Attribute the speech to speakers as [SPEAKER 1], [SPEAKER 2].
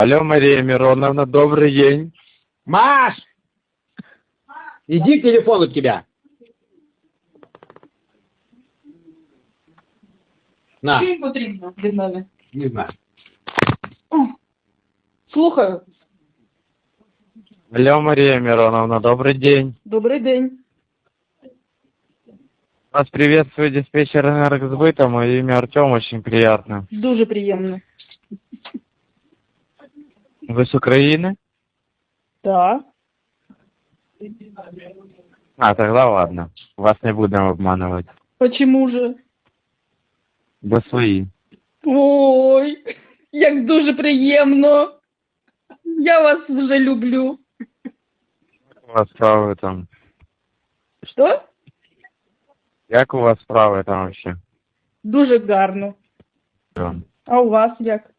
[SPEAKER 1] Алло, Мария Мироновна, добрый день.
[SPEAKER 2] Маш! Иди к телефону к тебя. На.
[SPEAKER 3] Що їм потрібно від мене?
[SPEAKER 2] Не знаю.
[SPEAKER 3] Слухаю.
[SPEAKER 1] Алло, Мария Мироновна, добрый день.
[SPEAKER 3] Добрий день.
[SPEAKER 1] Вас приветствует диспетчер энергосбыта, мое имя Артем, очень приятно.
[SPEAKER 3] Дуже приємно.
[SPEAKER 1] Вы с Украины?
[SPEAKER 3] Так.
[SPEAKER 1] А, тогда ладно. Вас не будем обманывать.
[SPEAKER 3] Почему же?
[SPEAKER 1] Вы свои.
[SPEAKER 3] Ой, як дуже приємно. Я вас вже люблю.
[SPEAKER 1] У вас справи там?
[SPEAKER 3] Що?
[SPEAKER 1] Як у вас справи там вообще?
[SPEAKER 3] Дуже гарно.
[SPEAKER 1] Всё.
[SPEAKER 3] А у вас як?